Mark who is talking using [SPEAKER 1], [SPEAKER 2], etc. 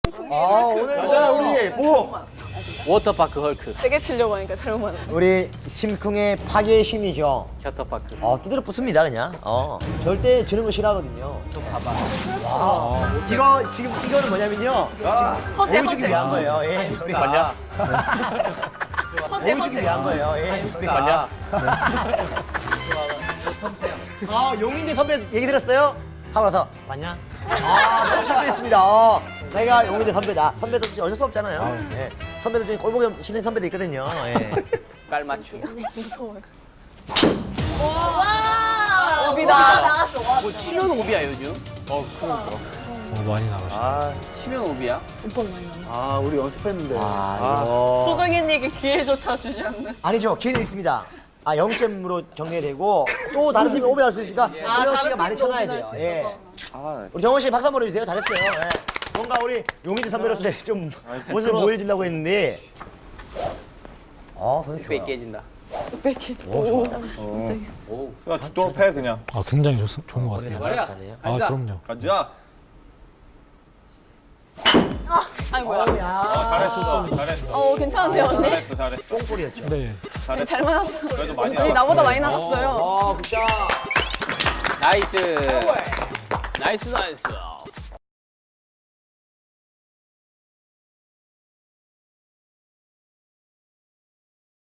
[SPEAKER 1] 오늘 자 우리
[SPEAKER 2] 워터파크 헐크.
[SPEAKER 3] 세게 치려고 하니까 잘못 맞았네.
[SPEAKER 1] 우리 심쿵의 파괴의 신이죠.
[SPEAKER 2] 셔터파크.
[SPEAKER 1] 두드려 부숩니다 그냥. 절대 지는 거 싫어하거든요.
[SPEAKER 2] 좀 봐봐.
[SPEAKER 1] 이거 지금 이거는 뭐냐면요. 지금
[SPEAKER 3] 허세,
[SPEAKER 1] 보여주기
[SPEAKER 3] 허세.
[SPEAKER 1] 위한 거예요. 예. 우리
[SPEAKER 2] 걸려?
[SPEAKER 1] 보여주기 위한 거예요. 예. 우리
[SPEAKER 2] 걸려?
[SPEAKER 1] 용인대 선배 얘기 들었어요? 하고 나서 봤냐? 너무 실수했습니다. 내가 용인대 선배다. 선배도 어쩔 수 없잖아요. 예. 선배들 중에 꼴보기 싫은 선배도 있거든요. 예.
[SPEAKER 2] 깔맞춤.
[SPEAKER 3] 무서워요. 와! 오비다. 나갔어.
[SPEAKER 2] 뭐 치면 오비야 요즘?
[SPEAKER 4] 그러니까. 많이 나가시네.
[SPEAKER 2] 치면 오비야?
[SPEAKER 3] 오빠는 많이 나네.
[SPEAKER 4] 우리 연습했는데.
[SPEAKER 1] 이거.
[SPEAKER 3] 소정현에게 기회조차 주지 않는.
[SPEAKER 1] 아니죠. 기회는 있습니다. 0점으로 정리되고 또 다른 팀이 오버할 수 있으니까 우영 씨가 많이 쳐놔야 돼요. 예. 우리 정원 씨 박수 한번 해주세요. 잘했어요. 예. 뭔가 우리 용인대 선배로서 좀 모습을 보여주려고 했는데 선수
[SPEAKER 2] 배
[SPEAKER 1] 좋아요.
[SPEAKER 2] 깨진다.
[SPEAKER 3] 뺏기.
[SPEAKER 1] 오,
[SPEAKER 2] 오.
[SPEAKER 4] 또 패 그냥.
[SPEAKER 5] 굉장히 좋은 것 같습니다.
[SPEAKER 2] 머리가.
[SPEAKER 1] 잘해요.
[SPEAKER 5] 그럼요.
[SPEAKER 4] 가자.
[SPEAKER 3] 아이고야.
[SPEAKER 4] 잘했어. 잘했어.
[SPEAKER 3] 괜찮은데요, 언니?
[SPEAKER 4] 잘했어.
[SPEAKER 1] 똥볼이었죠.
[SPEAKER 5] 네.
[SPEAKER 4] 잘했어.
[SPEAKER 3] 잘 맞았어.
[SPEAKER 4] 그래도 많이
[SPEAKER 3] 언니
[SPEAKER 4] 나갔어.
[SPEAKER 3] 나보다 많이 나갔어요.
[SPEAKER 1] 굿샷.
[SPEAKER 2] 나이스. 나이스 나이스.